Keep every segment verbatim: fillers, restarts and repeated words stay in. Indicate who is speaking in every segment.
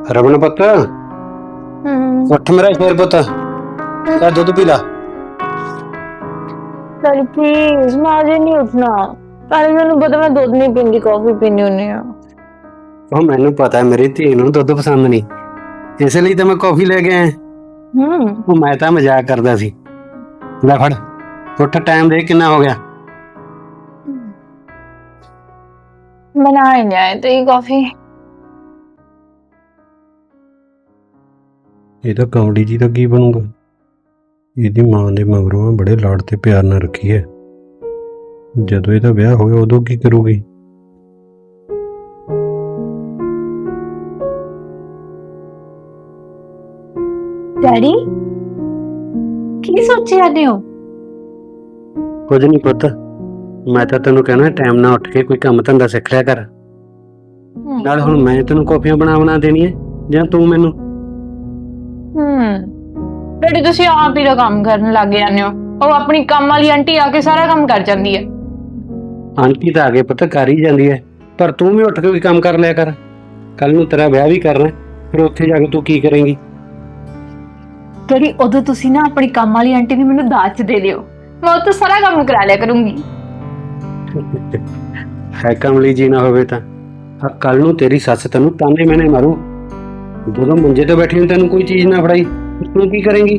Speaker 1: ਰਮਨ ਪੁੱਤ
Speaker 2: ਹੂੰ
Speaker 1: ਉੱਠ ਮੇਰਾ ਸ਼ੇਰ ਪੁੱਤ ਲੈ ਦੁੱਧ ਪੀ ਲਾ।
Speaker 2: ਚਲ ਪਲੀਜ਼ ਮੈਂ ਅਜੇ ਨਹੀਂ ਉੱਠਣਾ। ਪਹਿਲੇ ਮੈਨੂੰ ਪਤਾ ਮੈਂ ਦੁੱਧ ਨਹੀਂ ਪੀਂਦੀ ਕਾਫੀ ਪੀਣੀ ਹੁੰਦੀ ਆ।
Speaker 1: ਉਹ ਮੈਨੂੰ ਪਤਾ ਮੇਰੀ ਧੀ ਨੂੰ ਦੁੱਧ ਪਸੰਦ ਨਹੀਂ, ਇਸ ਲਈ ਤਾਂ ਮੈਂ ਕੌਫੀ ਲੈ ਕੇ ਆਇਆ।
Speaker 2: ਹੂੰ
Speaker 1: ਉਹ ਮੈਂ ਤਾਂ ਮਜ਼ਾਕ ਕਰਦਾ ਸੀ। ਲੈ ਫੜ ਉੱਠ, ਟਾਈਮ ਦੇਖ ਕਿੰਨਾ ਹੋ ਗਿਆ।
Speaker 2: बना ही नहीं आए तो ये कॉफी।
Speaker 1: ਇਹ ਤਾਂ ਕੌੜੀ ਜੀ ਦਾ ਕੀ ਬਣੂਗਾ। ਇਹਦੀ ਮਾਂ ਦੇ ਮਗਰੋਂ ਬੜੇ ਲਾਡ ਤੇ ਪਿਆਰ ਨਾਲ ਰੱਖੀ ਹੈ, ਜਦੋਂ ਇਹਦਾ ਵਿਆਹ ਹੋਇਆ ਉਦੋਂ ਕੀ ਕਰੂਗੀ।
Speaker 2: डैडी की सोचे जाते हो?
Speaker 1: ਕੁਝ ਨਹੀਂ ਪੁੱਤ, ਮੈਂ ਤਾਂ ਤੈਨੂੰ ਕਹਿਣਾ ਟਾਈਮ ਨਾਲ ਉੱਠ ਕੇ ਕੋਈ ਕੰਮ ਧੰਦਾ ਸਿੱਖ ਲਿਆ ਕਰ। ਨਾਲ ਹੁਣ ਮੈਂ ਤੈਨੂੰ ਕਾਫੀਆਂ ਬਣਾ ਬਣਾ ਦੇਣੀ ਹੈ ਜਾਂ ਤੂੰ ਮੈਨੂੰ?
Speaker 2: हम्म डैडी ਤੁਸੀਂ ਆਪ ਹੀ ਦਾ ਕੰਮ ਕਰਨ ਲੱਗ ਜਾਂਦੇ ਹੋ। ਉਹ ਆਪਣੀ ਕੰਮ ਵਾਲੀ ਆਂਟੀ ਆ ਕੇ ਸਾਰਾ ਕੰਮ ਕਰ ਜਾਂਦੀ ਹੈ।
Speaker 1: ਆਂਟੀ ਤਾਂ ਆਗੇ ਪੁੱਤ ਕਰ ਹੀ ਜਾਂਦੀ ਹੈ, ਪਰ ਤੂੰ ਵੀ ਉੱਠ ਕੇ ਕੋਈ ਕੰਮ ਕਰ ਲਿਆ ਕਰ। ਕੱਲ ਨੂੰ ਤੇਰਾ ਵਿਆਹ ਵੀ ਕਰਨਾ, ਫਿਰ ਉੱਥੇ ਜਾ ਕੇ ਤੂੰ ਕੀ ਕਰੇਂਗੀ।
Speaker 2: ਡੈਡੀ ਉਦੋਂ ਤੁਸੀਂ ਨਾ ਆਪਣੀ ਕੰਮ ਵਾਲੀ ਆਂਟੀ ਨੂੰ ਮੈਨੂੰ ਦਾਜ ਦੇ ਦਿਓ, ਮੈਂ ਉਹ ਤੋਂ ਸਾਰਾ ਕੰਮ ਕਰਾ ਲਿਆ ਕਰੂੰਗੀ।
Speaker 1: ਹੈ ਕਮਲੀ ਜੀ ਨਾ ਹੋਵੇ ਤਾਂ ਕੱਲ ਨੂੰ ਤੇਰੀ ਸੱਸ ਤੈਨੂੰ ਤਾਨੇ ਮੈਨੇ ਮਾਰੂ। ਜਦੋਂ ਮੰਜੇ ਤੇ ਬੈਠੀ ਨੂੰ ਤੈਨੂੰ ਕੋਈ ਚੀਜ਼ ਨਾ ਫੜਾਈ, ਤੂੰ ਕੀ ਕਰੇਂਗੀ।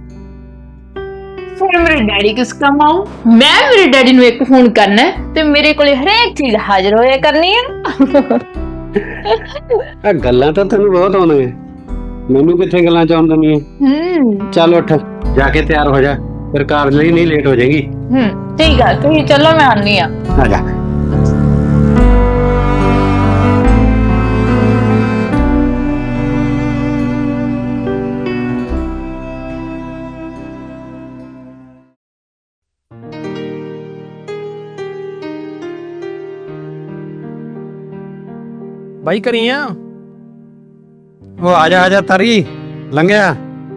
Speaker 2: ਫਿਰ ਮੇਰੇ ਡੈਡੀ ਕਿਸ ਕੰਮ ਆਉ? ਮੈਂ ਮੇਰੇ ਡੈਡੀ ਨੂੰ ਇੱਕ ਫੋਨ ਕਰਨਾ ਤੇ ਮੇਰੇ ਕੋਲੇ ਹਰੇਕ ਚੀਜ਼ ਹਾਜ਼ਰ ਹੋਇਆ ਕਰਨੀ ਹੈ।
Speaker 1: ਆ ਗੱਲਾਂ ਤਾਂ ਤੈਨੂੰ ਬਹੁਤ ਆਉਂਦੀਆਂ, ਮੈਨੂੰ ਕਿੱਥੇ ਗੱਲਾਂ ਚ ਆਉਣ ਦਿੰਦੀਆਂ।
Speaker 2: ਹੂੰ
Speaker 1: ਚੱਲ ਉੱਠ ਜਾ ਕੇ ਤਿਆਰ ਹੋ ਜਾ, ਫਿਰ ਕਾਲਜ ਲਈ ਨਹੀਂ ਲੇਟ ਹੋ ਜਾਏਗੀ।
Speaker 2: ਹੂੰ ਠੀਕ ਹੈ, ਤੁਸੀਂ ਚਲੋ ਮੈਂ ਆਨੀ ਆ।
Speaker 1: ਆ ਜਾ।
Speaker 3: ਬਾਈ ਕਰੀ ਆ
Speaker 1: ਉਹ ਆ ਜਾ ਆ ਜਾ ਤਰੀ ਲੰਘਿਆ।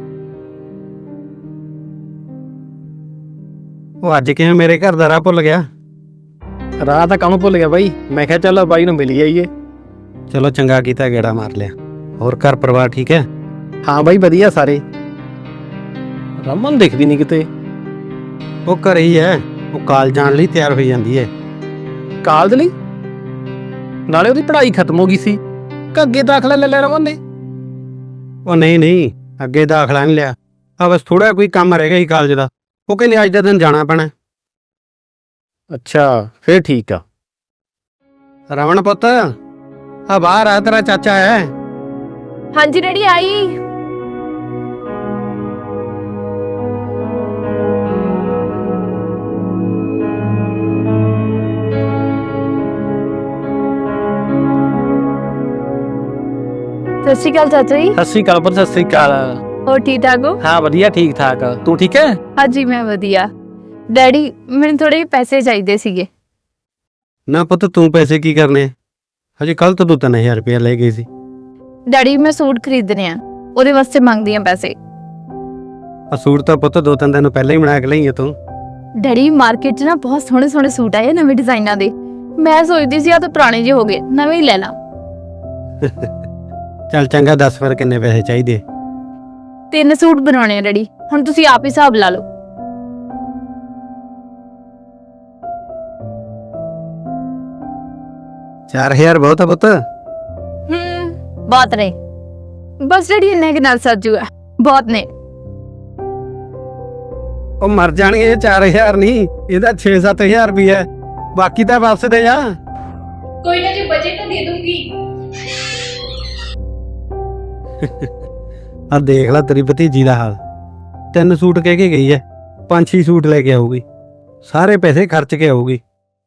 Speaker 1: ਉਹ ਅੱਜ ਕਿਵੇਂ ਮੇਰੇ ਘਰ ਦਾ ਰਾਹ ਭੁੱਲ ਗਿਆ।
Speaker 3: ਰਾਹ ਤਾਂ ਕਾਹਨੂੰ ਭੁੱਲ ਗਿਆ ਬਾਈ, ਮੈਂ ਕਿਹਾ ਚੱਲ ਬਾਈ ਨੂੰ ਮਿਲ ਆਈਏ।
Speaker 1: ਚਲੋ ਚੰਗਾ ਕੀਤਾ ਗੇੜਾ ਮਾਰ ਲਿਆ। ਹੋਰ ਘਰ ਪਰਿਵਾਰ ਠੀਕ ਹੈ?
Speaker 3: ਹਾਂ ਬਾਈ ਵਧੀਆ ਸਾਰੇ। ਰਮਨ ਦਿਖਦੀ ਨਹੀਂ ਕਿਤੇ।
Speaker 1: ਉਹ ਘਰੇ ਹੀ ਹੈ, ਉਹ ਕਾਲਜ ਜਾਣ ਲਈ ਤਿਆਰ ਹੋਈ ਜਾਂਦੀ ਹੈ।
Speaker 3: ਕਾਲਜ ਲਈ? ਨਾਲੇ ਉਹਦੀ ਪੜ੍ਹਾਈ ਖਤਮ ਹੋ ਗਈ ਸੀ ਕਿ ਅੱਗੇ ਦਾਖਲਾ ਲੈ ਲਿਆ ਰਮਨ ਨੇ?
Speaker 1: ਉਹ ਨਹੀਂ ਨਹੀਂ, ਅੱਗੇ ਦਾਖਲਾ ਨਹੀਂ ਲਿਆ, ਆ ਬਸ ਥੋੜਾ ਕੋਈ ਕੰਮ ਰਹਿ ਗਿਆ ਸੀ ਕਾਲਜ ਦਾ। ਉਹ ਕਹਿੰਦੇ ਅੱਜ ਦਾ ਦਿਨ ਜਾਣਾ ਪੈਣਾ।
Speaker 3: ਅੱਛਾ ਫੇਰ ਠੀਕ ਆ।
Speaker 1: ਰਮਨ ਪੁੱਤ ਆ ਬਾਹਰ ਆ, ਤੇਰਾ ਚਾਚਾ ਹੈ।
Speaker 2: ਹਾਂਜੀ ਡੈਡੀ ਆਈ। ਸਤਿ ਸ਼੍ਰੀ ਅਕਾਲ ਚਾਚਾ ਜੀ।
Speaker 3: ਸਤਿ ਸ੍ਰੀ ਅਕਾਲ ਪੁੱਤ, ਸਤਿ ਸ੍ਰੀ ਅਕਾਲ।
Speaker 2: ਹੋਰ ਠੀਕ ਠਾਕ ਹੋ?
Speaker 3: ਹਾਂ ਵਧੀਆ ਠੀਕ ਠਾਕ, ਤੂੰ ਠੀਕ ਹੈ?
Speaker 2: ਹਾਂਜੀ ਮੈਂ ਵਧੀਆ। ਡੈਡੀ ਮੈਨੂੰ ਥੋੜੇ ਪੈਸੇ ਚਾਹੀਦੇ ਸੀਗੇ।
Speaker 1: ਨਾ ਪੁੱਤ ਤੂੰ ਪੈਸੇ ਕੀ ਕਰਨੇ, ਹਜੇ ਕੱਲ ਤੋਂ ਤੂੰ ਤਿੰਨ ਹਜ਼ਾਰ ਰੁਪਇਆ ਲੈ ਗਈ ਸੀ।
Speaker 2: ਡੈਡੀ ਮੈਂ ਸੂਟ ਖਰੀਦਣੇ ਆ, ਉਹਦੇ ਵਾਸਤੇ ਮੰਗਦੀ ਆ ਪੈਸੇ।
Speaker 1: ਆ ਸੂਟ ਤਾਂ ਪੁੱਤ ਦੋ ਤਿੰਨ ਦਿਨ ਪਹਿਲਾਂ ਹੀ ਬਣਾ ਕੇ ਲਈ ਹੈ ਤੂੰ।
Speaker 2: ਡੈਡੀ ਮਾਰਕੀਟ 'ਚ ਨਾ ਬਹੁਤ ਸੋਹਣੇ ਸੋਹਣੇ ਸੂਟ ਆਏ ਨਵੇਂ ਡਿਜ਼ਾਈਨਾਂ ਦੇ। ਮੈਂ ਸੋਚਦੀ ਸੀ ਆ ਤਾਂ ਪੁਰਾਣੇ ਜਿਹੇ ਹੋ ਗਏ, ਨਵੇਂ ਹੀ ਲੈ ਲਾਂ।
Speaker 1: ਚੱਲ ਚੰਗਾ, ਦੱਸ ਫਿਰ ਕਿੰਨੇ ਪੈਸੇ ਚਾਹੀਦੇ।
Speaker 2: ਤਿੰਨ ਸੂਟ ਬਣਾਉਣੇ ਆ ਡੈਡੀ, ਹੁਣ ਤੁਸੀਂ ਆਪ ਹੀ ਹਿਸਾਬ ਲਾ ਲਓ।
Speaker 1: ਚਾਰ ਹਜ਼ਾਰ ਬਹੁਤ ਆ ਪੁੱਤ।
Speaker 2: ਹੂੰ ਬਹੁਤ ਨੇ, ਬਸ ਡੈਡੀ ਇੰਨੇ ਕੁ ਨਾਲ ਸਰ ਜੂਗਾ, ਬਹੁਤ ਨੇ।
Speaker 1: ਉਹ ਮਰ ਜਾਣਗੇ, ਇਹ ਚਾਰ ਹਜ਼ਾਰ ਨਹੀਂ, ਇਹਦਾ ਛੇ ਸੱਤ ਹਜ਼ਾਰ ਵੀ ਹੈ, ਬਾਕੀ ਤਾਂ ਵਾਪਸ ਦੇ ਜਾ।
Speaker 2: ਕੋਈ ਨਾ ਜੀ, ਬਜਟ ਤਾਂ ਦੇ ਦੂੰਗੀ।
Speaker 1: ਆ ਦੇਖ ਲੈ ਤੇਰੀ ਭਤੀਜੀ ਦਾ ਹਾਲ, ਤਿੰਨ ਸੂਟ ਕਹਿ ਕੇ ਗਈ ਹੈ, ਪੰਜ ਛੇ ਸੂਟ ਲੈ ਕੇ ਆਊਗੀ, ਸਾਰੇ ਪੈਸੇ ਖਰਚ ਕੇ ਆਊਗੀ।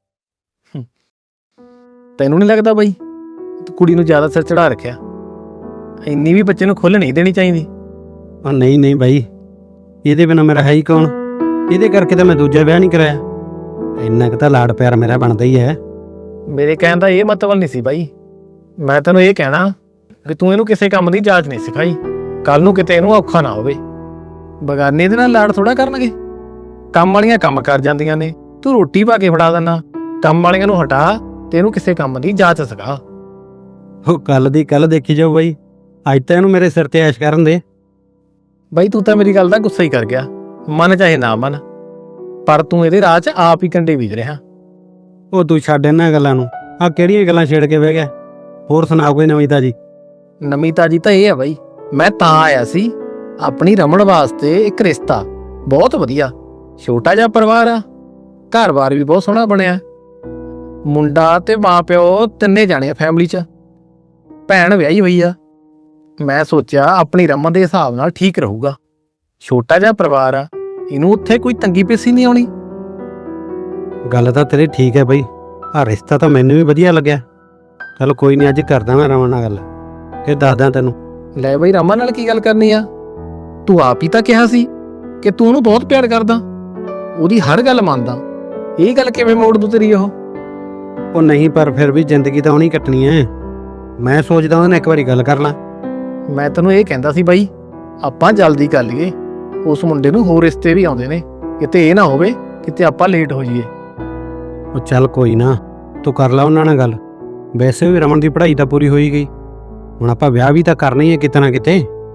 Speaker 3: ਤੈਨੂੰ ਨਹੀਂ ਲੱਗਦਾ ਬਾਈ ਤੂੰ ਕੁੜੀ ਨੂੰ ਜ਼ਿਆਦਾ ਸਿਰ ਚੜਾ ਰੱਖਿਆ? ਇੰਨੀ ਵੀ ਬੱਚੇ ਨੂੰ ਖੁੱਲ੍ਹ ਨਹੀਂ ਦੇਣੀ ਚਾਹੀਦੀ।
Speaker 1: ਉਹ ਨਹੀਂ ਨਹੀਂ ਬਾਈ, ਇਹਦੇ ਬਿਨਾਂ ਮੇਰਾ ਹੈ ਹੀ ਕੌਣ, ਇਹਦੇ ਕਰਕੇ ਤਾਂ ਮੈਂ ਦੂਜਾ ਵਿਆਹ ਨਹੀਂ ਕਰਾਇਆ। ਇੰਨਾ ਕੁ ਤਾਂ ਲਾਡ ਪਿਆਰ ਮੇਰਾ ਬਣਦਾ ਹੀ ਹੈ।
Speaker 3: ਮੇਰੇ ਕਹਿਣ ਦਾ ਇਹ ਮਤਲਬ ਨਹੀਂ ਸੀ ਬਾਈ, ਮੈਂ ਤੈਨੂੰ ਇਹ ਕਹਿਣਾ ਕਿ ਤੂੰ ਇਹਨੂੰ ਕਿਸੇ ਕੰਮ ਦੀ ਜਾਂਚ ਨਹੀਂ ਸਿਖਾਈ, ਕੱਲ ਨੂੰ ਕਿਤੇ ਇਹਨੂੰ ਔਖਾ ਨਾ ਹੋਵੇ। ਬਗਾਨੇ ਦੇ ਨਾਲ ਲਾੜ ਥੋੜਾ ਕਰਨਗੇ, ਕੰਮ ਵਾਲੀਆਂ ਕੰਮ ਕਰ ਜਾਂਦੀਆਂ ਨੇ, ਤੂੰ ਰੋਟੀ ਪਾ ਕੇ ਫੜਾ ਦਿੰਦਾ। ਕੰਮ ਵਾਲੀਆਂ ਨੂੰ ਹਟਾ ਤੇ ਇਹਨੂੰ ਕਿਸੇ ਕੰਮ ਦੀ ਜਾਂਚ ਸਿਖਾ।
Speaker 1: ਉਹ ਕੱਲ ਦੀ ਕੱਲ ਦੇਖੀ ਜਾਓ ਬਾਈ, ਅੱਜ ਤਾਂ ਇਹਨੂੰ ਮੇਰੇ ਸਿਰ ਤੇ ਐਸ਼ ਕਰਨ ਦੇ।
Speaker 3: ਬਾਈ ਤੂੰ ਤਾਂ ਮੇਰੀ ਗੱਲ ਦਾ ਗੁੱਸਾ ਹੀ ਕਰ ਗਿਆ, ਮਨ ਚਾਹੇ ਨਾ ਮਨ, ਪਰ ਤੂੰ ਇਹਦੇ ਰਾਹ 'ਚ ਆਪ ਹੀ ਕੰਡੇ ਬੀਜ ਰਿਹਾ।
Speaker 1: ਉਹ ਤੂੰ ਛੱਡ ਇਹਨਾਂ ਗੱਲਾਂ ਨੂੰ, ਆ ਕਿਹੜੀਆਂ ਗੱਲਾਂ ਛੇੜ ਕੇ ਬਹਿ ਗਿਆ। ਹੋਰ ਸੁਣਾ ਕੋਈ ਨਵੀਂ ਤਾਜੀ।
Speaker 3: ਨਵੀਂ ਤਾਜੀ ਤਾਂ ਇਹ ਆ ਬਾਈ, ਮੈਂ ਤਾਂ ਆਇਆ ਸੀ ਆਪਣੀ ਰਮਣ ਵਾਸਤੇ ਇੱਕ ਰਿਸ਼ਤਾ ਬਹੁਤ ਵਧੀਆ, ਛੋਟਾ ਜਿਹਾ ਪਰਿਵਾਰ ਆ, ਘਰ-ਬਾਰ ਵੀ ਬਹੁਤ ਸੋਹਣਾ ਬਣਿਆ, ਮੁੰਡਾ ਤੇ ਮਾਂ ਪਿਓ ਤਿੰਨੇ ਜਾਣੇ ਆ ਫੈਮਿਲੀ 'ਚ, ਭੈਣ ਵਿਆਹੀ ਹੋਈ ਆ। ਮੈਂ ਸੋਚਿਆ ਆਪਣੀ ਰਮਨ ਦੇ ਹਿਸਾਬ ਨਾਲ ਠੀਕ ਰਹੂਗਾ, ਛੋਟਾ ਜਿਹਾ ਪਰਿਵਾਰ ਆ, ਇਹਨੂੰ ਉੱਥੇ ਕੋਈ ਤੰਗੀ ਪੇਸ਼ੀ ਨਹੀਂ ਆਉਣੀ।
Speaker 1: ਗੱਲ ਤਾਂ ਤੇਰੀ ਠੀਕ ਹੈ ਬਈ, ਆ ਰਿਸ਼ਤਾ ਤਾਂ ਮੈਨੂੰ ਵੀ ਵਧੀਆ ਲੱਗਿਆ। ਚਲ ਕੋਈ ਨਹੀਂ, ਅੱਜ ਕਰਦਾ ਮੈਂ ਰਮਨ ਨਾਲ ਗੱਲ, ਫਿਰ ਦੱਸਦਾ ਤੈਨੂੰ।
Speaker 3: ਲੈ ਬਈ ਰਮਨ ਨਾਲ ਕੀ ਗੱਲ ਕਰਨੀ ਆ? ਤੂੰ ਆਪ ਹੀ ਤਾਂ ਕਿਹਾ ਸੀ ਕਿ ਤੂੰ ਉਹਨੂੰ ਬਹੁਤ ਪਿਆਰ ਕਰਦਾ, ਉਹਦੀ ਹਰ ਗੱਲ ਮੰਨਦਾ, ਇਹ ਗੱਲ ਕਿਵੇਂ ਮੋੜ ਦੂ ਤੇਰੀ? ਉਹ
Speaker 1: ਉਹ ਨਹੀਂ, ਪਰ ਫਿਰ ਵੀ ਜ਼ਿੰਦਗੀ ਤਾਂ ਉਹਨੀ ਕੱਟਣੀ ਹੈ। ਮੈਂ ਸੋਚਦਾ ਉਹਦੇ ਨਾਲ ਇੱਕ ਵਾਰੀ ਗੱਲ ਕਰ ਲਾਂ।
Speaker 3: ਮੈਂ ਤੈਨੂੰ ਇਹ ਕਹਿੰਦਾ ਸੀ ਬਾਈ, ਆਪਾਂ ਜਲਦੀ ਕਰ ਲਈਏ, ਉਸ ਮੁੰਡੇ ਨੂੰ ਹੋਰ ਰਿਸ਼ਤੇ ਵੀ ਆਉਂਦੇ ਨੇ, ਕਿਤੇ ਇਹ ਨਾ ਹੋਵੇ ਕਿਤੇ ਆਪਾਂ ਲੇਟ ਹੋ ਜਾਈਏ।
Speaker 1: ਉਹ ਚੱਲ ਕੋਈ ਨਾ, ਤੂੰ ਕਰ ਲਾ ਉਹਨਾਂ ਨਾਲ ਗੱਲ। ਵੈਸੇ ਵੀ ਰਮਨ ਦੀ ਪੜ੍ਹਾਈ ਤਾਂ ਪੂਰੀ ਹੋਈ ਗਈ, ਹੁਣ ਆਪਾਂ ਵਿਆਹ ਵੀ ਤਾਂ ਕਰਨਾ ਹੀ ਹੈ ਕਿਤੇ ਨਾ ਕਿਤੇ।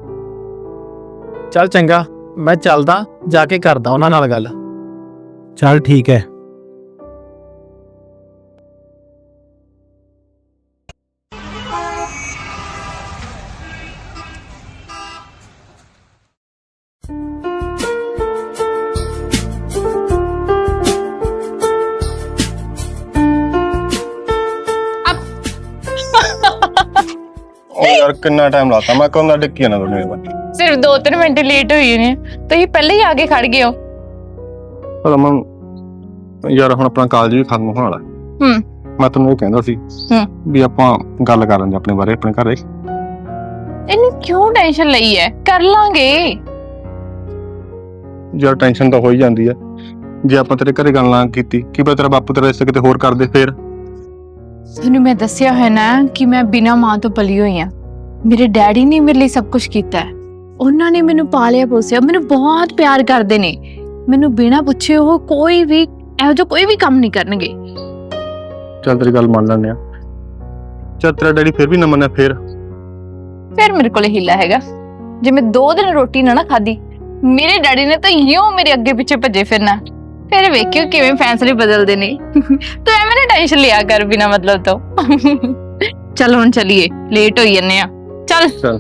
Speaker 3: ਚੱਲ ਚੰਗਾ, ਮੈਂ ਚੱਲਦਾ, ਜਾ ਕੇ ਕਰਦਾ ਉਹਨਾਂ ਨਾਲ ਗੱਲ।
Speaker 1: ਚੱਲ ਠੀਕ ਹੈ।
Speaker 4: ਉਹ ਯਾਰ ਕਿੰਨਾ ਟਾਈਮ ਲਾਤਾ ਮੈਂ ਕਦੋਂ ਦਾ ਡਿੱਕੀ ਜਾਣਾ ਤੁਹਾਡੇ ਕੋਲ।
Speaker 2: ਸਿਰਫ ਦੋ ਤਿੰਨ ਮਿੰਟ ਲੇਟ ਹੋਈ ਨੇ, ਤੁਸੀਂ ਪਹਿਲੇ ਹੀ ਆ ਕੇ ਖੜ ਗਏ ਹੋ।
Speaker 4: ਰਮਨ ਯਾਰ ਹੁਣ ਆਪਣਾ ਕਾਲਜ ਵੀ ਖਤਮ ਹੋਣ ਵਾਲਾ।
Speaker 2: ਹੂੰ
Speaker 4: ਮੈਂ ਤੈਨੂੰ ਇਹ ਕਹਿੰਦਾ ਸੀ
Speaker 2: ਹੂੰ
Speaker 4: ਵੀ ਆਪਾਂ ਗੱਲ ਕਰ ਲੈਂਦੇ ਆਪਣੇ ਬਾਰੇ, ਆਪਣੇ ਘਰੇ।
Speaker 2: ਇਹਨੂੰ ਕਿਉਂ ਟੈਨਸ਼ਨ ਲਈ ਹੈ? ਕਰ ਲਾਂਗੇ
Speaker 4: ਯਾਰ ਟੈਨਸ਼ਨ ਤਾਂ ਹੋ ਹੀ ਜਾਂਦੀ ਹੈ, ਜੇ ਆਪਾਂ ਤੇਰੇ ਘਰੇ ਗੱਲ ਨਾ ਕੀਤੀ, ਕੀ ਪਤਾ ਤੇਰਾ ਬਾਪੂ ਤੇਰਾ ਰਿਸ਼ਤਾ ਕਿਤੇ ਹੋਰ ਕਰਦੇ ਫੇਰ।
Speaker 2: ਤੁਹਾਨੂੰ ਮੈਂ ਦੱਸਿਆ ਹੈ ਨਾ ਕਿ ਮੈਂ ਬਿਨਾਂ ਮਾਂ ਤੋਂ ਪਲੀ ਹੋਈ ਹਾਂ। ਮੇਰੇ ਡੈਡੀ ਨੇ ਮੇਰੇ ਲਈ ਸਭ ਕੁਝ ਕੀਤਾ ਹੈ, ਉਹਨਾਂ ਨੇ ਮੈਨੂੰ ਪਾਲਿਆ ਪੋਸਿਆ, ਮੈਨੂੰ ਬਹੁਤ ਪਿਆਰ ਕਰਦੇ ਨੇ। ਮੈਨੂੰ ਬਿਨਾਂ ਪੁੱਛੇ ਉਹ ਕੋਈ ਵੀ ਇਹੋ ਜਿਹਾ ਕੋਈ ਵੀ ਕੰਮ ਨਹੀਂ ਕਰਨਗੇ।
Speaker 4: ਚੱਲ ਤੇਰੀ ਗੱਲ ਮੰਨ ਲੈਂਦੇ ਆ, ਚੱਲ ਤੇਰਾ ਡੈਡੀ ਫਿਰ ਵੀ ਨਾ ਮੰਨਿਆ ਫੇਰ
Speaker 2: ਫਿਰ ਮੇਰੇ ਕੋਲ ਹੀਲਾ ਹੈਗਾ। ਜੇ ਮੈਂ ਦੋ ਦਿਨ ਰੋਟੀ ਨਾ ਨਾ ਖਾਦੀ, ਮੇਰੇ ਡੈਡੀ ਨੇ ਤਾਂ ਇਉਂ ਮੇਰੇ ਅੱਗੇ ਪਿੱਛੇ ਭੱਜੇ ਫਿਰਨਾ। ਫਿਰ ਵੇਖਿਓ ਕਿਵੇਂ ਫੈਸਲੇ ਬਦਲਦੇ ਨੇ। ਤੂੰ ਐਵੇਂ ਨਾ ਟੈਨਸ਼ਨ ਲਿਆ ਕਰ ਬਿਨਾਂ ਮਤਲਬ ਤੋਂ। ਚਲ ਹੁਣ ਚਲੀਏ, ਲੇਟ ਹੋਈ ਜੰਨੇ ਆ। ਚੱਲ
Speaker 4: ਚੱਲ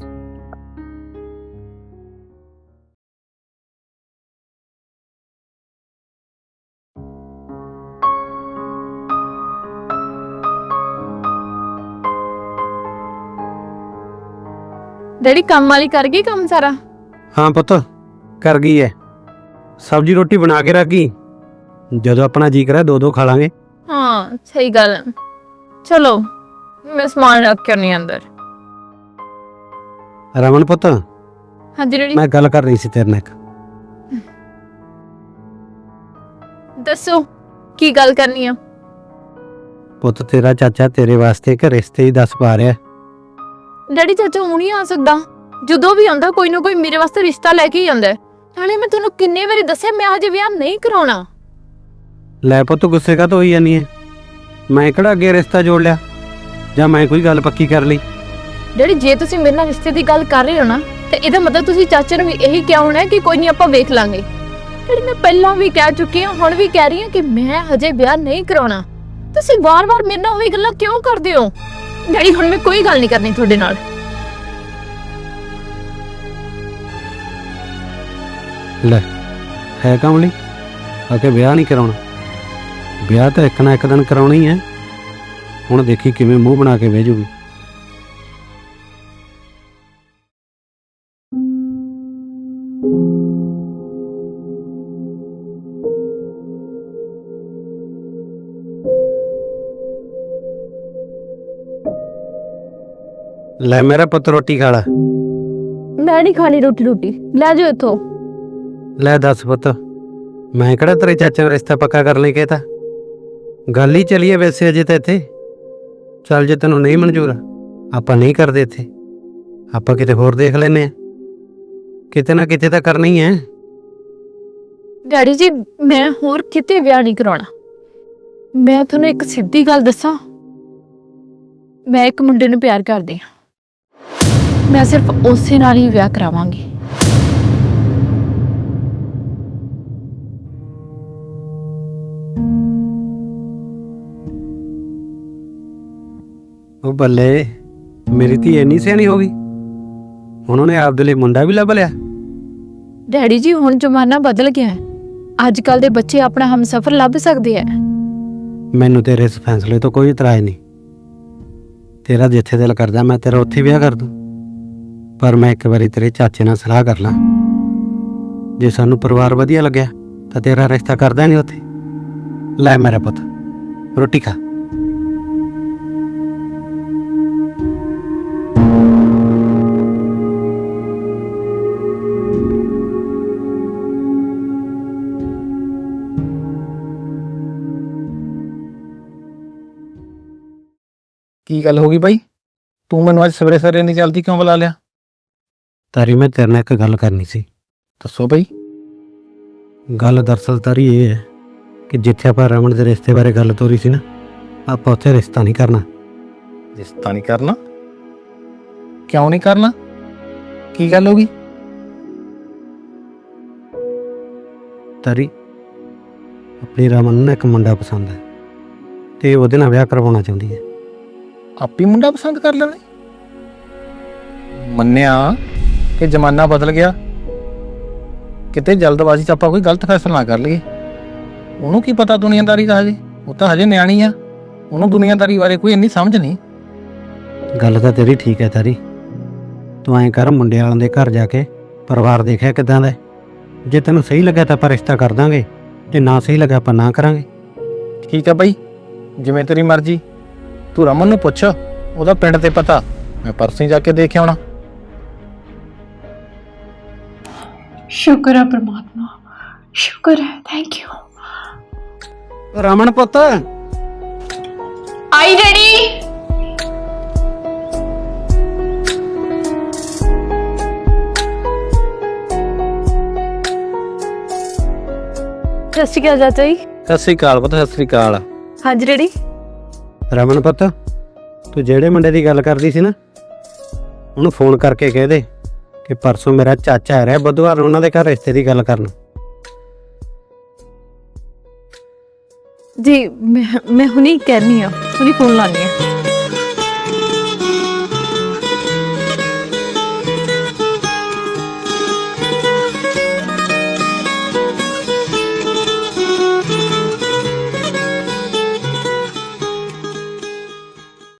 Speaker 2: ਡੈਡੀ ਕੰਮ ਵਾਲੀ ਕਰ ਗਈ ਕੰਮ ਸਾਰਾ?
Speaker 1: ਹਾਂ ਪੁੱਤ, ਕਰ ਗਈ ਹੈ। ਸਬਜ਼ੀ ਰੋਟੀ ਬਣਾ ਕੇ ਰੱਖ ਗਈ, ਜਦੋਂ ਆਪਣਾ ਜੀ ਕਰੇ ਦੋ ਦੋ ਖਾ ਲਾਂਗੇ।
Speaker 2: ਹਾਂ ਸਹੀ ਗੱਲ ਹੈ। ਚਲੋ ਮੈਂ ਸਮਾਨ ਰੱਖ ਕੇ ਆਉਣੀ ਅੰਦਰ।
Speaker 1: ਰਮਨ ਪੁੱਤ,
Speaker 2: ਹਾਂਜੀ ਡੈਡੀ
Speaker 1: ਮੈਂ ਗੱਲ ਕਰ ਰਹੀ ਸੀ ਤੇਰੇ ਨਾਲ ਇੱਕ।
Speaker 2: ਦੱਸੋ ਕੀ ਗੱਲ ਕਰਨੀ ਆ?
Speaker 1: ਪੁੱਤ ਤੇਰਾ ਚਾਚਾ ਤੇਰੇ ਵਾਸਤੇ ਇੱਕ ਰਿਸ਼ਤੇ ਹੀ ਦੱਸ ਪਾ ਰਿਹਾ।
Speaker 2: ਡੈਡੀ ਚਾਚਾ ਹੁਣ ਹੀ ਆ ਸਕਦਾ, ਜਦੋਂ ਵੀ ਆਉਂਦਾ ਕੋਈ ਨਾ ਕੋਈ ਮੇਰੇ ਵਾਸਤੇ ਰਿਸ਼ਤਾ ਲੈ ਕੇ ਹੀ ਆਉਂਦਾ। ਨਾਲੇ ਮੈਂ ਤੁਹਾਨੂੰ ਕਿੰਨੇ ਵਾਰੀ ਦੱਸਿਆ ਮੈਂ ਹਜੇ ਵਿਆਹ ਨਹੀਂ ਕਰਾਉਣਾ।
Speaker 1: ਲੈ ਪੁੱਤ ਗੁੱਸੇ ਕਾ ਤੋਂ ਹੋਈ ਜਾਨੀ ਹੈ? ਮੈਂ ਕਿਹੜਾ ਅੱਗੇ ਰਿਸ਼ਤਾ ਜੋੜ ਲਿਆ ਜਾਂ ਮੈਂ ਕੋਈ ਗੱਲ ਪੱਕੀ ਕਰ ਲਈ?
Speaker 2: ਡੈਡੀ ਜੇ ਤੁਸੀਂ ਮੇਰੇ ਨਾਲ ਰਿਸ਼ਤੇ ਦੀ ਗੱਲ ਕਰ ਰਹੇ ਹੋ ਨਾ, ਤੇ ਇਹਦਾ ਮਤਲਬ ਤੁਸੀਂ ਚਾਚੇ ਨੂੰ ਵੀ ਇਹੀ ਕਿਹਾ ਹੋਣਾ ਕਿ ਕੋਈ ਨਹੀਂ ਆਪਾਂ ਵੇਖ ਲਾਂਗੇ। ਡੈਡੀ ਮੈਂ ਪਹਿਲਾਂ ਵੀ ਕਹਿ ਚੁੱਕੀ ਹਾਂ, ਹੁਣ ਵੀ ਕਹਿ ਰਹੀ ਹਾਂ ਕਿ ਮੈਂ ਹਜੇ ਵਿਆਹ ਨਹੀਂ ਕਰਾਉਣਾ। ਤੁਸੀਂ ਵਾਰ-ਵਾਰ ਮੇਰੇ ਨਾਲ ਉਹੀ ਗੱਲਾਂ ਕਿਉਂ ਕਰਦੇ ਹੋ? ਡੈਡੀ ਹੁਣ ਮੈਂ ਕੋਈ ਗੱਲ ਨਹੀਂ ਕਰਨੀ ਤੁਹਾਡੇ ਨਾਲ।
Speaker 1: ਲੈ ਹੈ ਕਮਲੀ, ਆ ਕੇ ਵਿਆਹ ਨਹੀਂ ਕਰਾਉਣਾ? ਵਿਆਹ ਤਾਂ ਇੱਕ ਨਾ ਇੱਕ ਦਿਨ ਕਰਾਉਣਾ ਹੀ ਹੈ। ਹੁਣ ਦੇਖੀ ਕਿਵੇਂ ਮੂੰਹ ਬਣਾ ਕੇ ਬਹਿ ਜੂਗੀ। ਲੈ ਮੇਰਾ ਪੁੱਤ ਰੋਟੀ ਖਾ ਲੈ।
Speaker 2: ਮੈਂ ਨਹੀਂ ਖਾਣੀ ਰੋਟੀ ਰੋਟੀ ਲੈ ਜਾਓ ਇੱਥੋਂ।
Speaker 1: ਲੈ ਦੱਸ ਪੁੱਤ, ਮੈਂ ਕਿਹੜਾ ਤੇਰੇ ਚਾਚੇ ਦਾ ਰਿਸ਼ਤਾ ਪੱਕਾ ਕਰਨ ਲਈ ਕਹਿਤਾ? ਗੱਲ ਹੀ ਚੱਲੀਏ ਵੈਸੇ ਅਜੇ ਤਾਂ ਇੱਥੇ। ਚੱਲ ਜੇ ਤੈਨੂੰ ਨਹੀਂ ਮਨਜ਼ੂਰ ਆਪਾਂ ਨਹੀਂ ਕਰਦੇ ਇੱਥੇ, ਆਪਾਂ ਕਿਤੇ ਹੋਰ ਦੇਖ ਲੈਨੇ ਆ। ਕਿਤੇ ਨਾ ਕਿਤੇ ਤਾਂ ਕਰਨਾ ਹੀ ਹੈ।
Speaker 2: ਡੈਡੀ ਜੀ ਮੈਂ ਹੋਰ ਕਿਤੇ ਵਿਆਹ ਨਹੀਂ ਕਰਾਉਣਾ। ਮੈਂ ਤੁਹਾਨੂੰ ਇੱਕ ਸਿੱਧੀ ਗੱਲ ਦੱਸਾਂ, ਮੈਂ ਇੱਕ ਮੁੰਡੇ ਨੂੰ ਪਿਆਰ ਕਰਦੀ ਹਾਂ। ਮੈਂ ਸਿਰਫ ਉਸੇ ਨਾਲ ਹੀ ਵਿਆਹ ਕਰਾਵਾਂਗੀ।
Speaker 1: ਉਹ ਬੱਲੇ, ਮੇਰੀ ਧੀ ਇੰਨੀ ਸਿਆਣੀ ਹੋ ਗਈ, ਹੁਣ ਉਹਨੇ ਆਪਦੇ ਲਈ ਮੁੰਡਾ ਵੀ ਲੱਭ ਲਿਆ।
Speaker 2: ਡੈਡੀ ਜੀ, ਹੁਣ ਜ਼ਮਾਨਾ ਬਦਲ ਗਿਆ ਹੈ। ਅੱਜ ਕੱਲ ਦੇ ਬੱਚੇ ਆਪਣਾ ਹਮਸਫਰ ਲੱਭ ਸਕਦੇ ਆ।
Speaker 1: ਮੈਨੂੰ ਤੇਰੇ ਇਸ ਫੈਸਲੇ ਤੋਂ ਕੋਈ ਇਤਰਾਜ਼ ਨਹੀਂ। ਤੇਰਾ ਜਿੱਥੇ ਦਿਲ ਕਰਦਾ ਮੈਂ ਤੇਰਾ ਉੱਥੇ ਵਿਆਹ ਕਰ ਦੂੰ, ਪਰ ਮੈਂ ਇੱਕ ਵਾਰੀ ਤੇਰੇ ਚਾਚੇ ਨਾਲ ਸਲਾਹ ਕਰ ਲਾਂ। ਜੇ ਸਾਨੂੰ ਪਰਿਵਾਰ ਵਧੀਆ ਲੱਗਿਆ ਤਾਂ ਤੇਰਾ ਰਿਸ਼ਤਾ ਕਰਦਾ ਨਹੀਂ ਉੱਥੇ। ਲੈ ਮੇਰਾ ਪੁੱਤ, ਰੋਟੀ ਖਾ।
Speaker 3: ਕੀ ਗੱਲ ਹੋ ਗਈ ਬਾਈ? ਤੂੰ ਮੈਨੂੰ ਅੱਜ ਸਵੇਰੇ ਸਵੇਰੇ ਨਹੀਂ ਜਲਦੀ ਕਿਉਂ ਬੁਲਾ ਲਿਆ?
Speaker 1: ਤਾਰੀ, ਮੈਂ ਤੇਰੇ ਨਾਲ ਇੱਕ ਗੱਲ ਕਰਨੀ ਸੀ।
Speaker 3: ਦੱਸੋ ਬਾਈ।
Speaker 1: ਗੱਲ ਦਰਅਸਲ ਤਾਰੀ ਇਹ ਹੈ ਕਿ ਜਿੱਥੇ ਆਪਾਂ ਰਮਨ ਦੇ ਰਿਸ਼ਤੇ ਬਾਰੇ ਗੱਲ ਤੋਰੀ ਸੀ ਨਾ, ਆਪਾਂ ਉੱਥੇ ਰਿਸ਼ਤਾ ਨਹੀਂ ਕਰਨਾ।
Speaker 3: ਰਿਸ਼ਤਾ ਨਹੀਂ ਕਰਨਾ? ਕਿਉਂ ਨਹੀਂ ਕਰਨਾ? ਕੀ ਗੱਲ ਹੋ ਗਈ?
Speaker 1: ਤਾਰੀ, ਆਪਣੀ ਰਮਨ ਨੂੰ ਨਾ ਇੱਕ ਮੁੰਡਾ ਪਸੰਦ ਹੈ ਤੇ ਉਹਦੇ ਨਾਲ ਵਿਆਹ ਕਰਵਾਉਣਾ ਚਾਹੁੰਦੀ ਹੈ।
Speaker 3: ਆਪੀ ਮੁੰਡਾ ਪਸੰਦ ਕਰ ਲੈਣਾ? ਮੰਨਿਆ ਕਿ ਜ਼ਮਾਨਾ ਬਦਲ ਗਿਆ, ਕਿਤੇ ਜਲਦਬਾਜ਼ੀ 'ਚ ਆਪਾਂ ਕੋਈ ਗਲਤ ਫੈਸਲਾ ਨਾ ਕਰ ਲਈਏ। ਉਹਨੂੰ ਕੀ ਪਤਾ ਦੁਨੀਆਦਾਰੀ ਦਾ? ਹਜੇ ਉਹ ਤਾਂ ਹਜੇ ਨਿਆਣੀ ਆ, ਉਹਨੂੰ ਦੁਨੀਆਦਾਰੀ ਬਾਰੇ ਕੋਈ ਇੰਨੀ ਸਮਝ ਨਹੀਂ।
Speaker 1: ਗੱਲ ਤਾਂ ਤੇਰੀ ਠੀਕ ਹੈ ਤਾਰੀ। ਤੂੰ ਐਂ ਕਰ, ਮੁੰਡੇ ਵਾਲਿਆਂ ਦੇ ਘਰ ਜਾ ਕੇ ਪਰਿਵਾਰ ਦੇਖਿਆ ਕਿੱਦਾਂ ਦਾ। ਜੇ ਤੈਨੂੰ ਸਹੀ ਲੱਗਾ ਤਾਂ ਆਪਾਂ ਰਿਸ਼ਤਾ ਕਰ ਦਾਂਗੇ, ਤੇ ਨਾ ਸਹੀ ਲੱਗਾ ਆਪਾਂ ਨਾ ਕਰਾਂਗੇ।
Speaker 3: ਠੀਕ ਹੈ ਬਾਈ, ਜਿਵੇਂ ਤੇਰੀ ਮਰਜ਼ੀ। ਤੂੰ ਰਮਨ ਨੂੰ ਪੁੱਛ, ਉਹਦਾ ਪਿੰਡ ਤੇ ਪਤਾ, ਮੈਂ ਪਰਸੋਂ ਜਾ ਕੇ ਦੇਖ ਆਉਣਾ।
Speaker 5: ਸ਼ੁਕਰ ਹੈ ਪ੍ਰਮਾਤਮਾ, ਸ਼ੁਕਰ ਹੈ, ਥੈਂਕ ਯੂ।
Speaker 1: ਰਮਨ ਪੁੱਤ,
Speaker 5: ਆਈ ਡੈਡੀ।
Speaker 2: ਸਤਿ ਸ਼੍ਰੀ ਅਕਾਲ ਚਾਚਾ ਜੀ।
Speaker 3: ਸਤਿ ਸ੍ਰੀ ਅਕਾਲ ਪੁੱਤ, ਸਤਿ ਸ੍ਰੀ ਅਕਾਲ।
Speaker 2: ਹਾਂਜੀ ਡੈਡੀ।
Speaker 1: ਰਮਨ ਪੁੱਤ, ਤੂੰ ਜਿਹੜੇ ਮੁੰਡੇ ਦੀ ਗੱਲ ਕਰਦੀ ਸੀ ਨਾ, ਉਹਨੂੰ ਫੋਨ ਕਰਕੇ ਕਹਿ ਦੇ ਕਿ ਪਰਸੋਂ ਮੇਰਾ ਚਾਚਾ ਆ ਰਿਹਾ ਬੁੱਧਵਾਰ ਨੂੰ ਉਹਨਾਂ ਦੇ ਘਰ ਰਿਸ਼ਤੇ ਦੀ ਗੱਲ ਕਰਨ।
Speaker 2: ਜੀ ਮੈਂ ਮੈਂ ਹੁਣੀ ਕਹਿਣੀ ਆ, ਹੁਣੀ ਫੋਨ ਲਾਣੀ ਆ।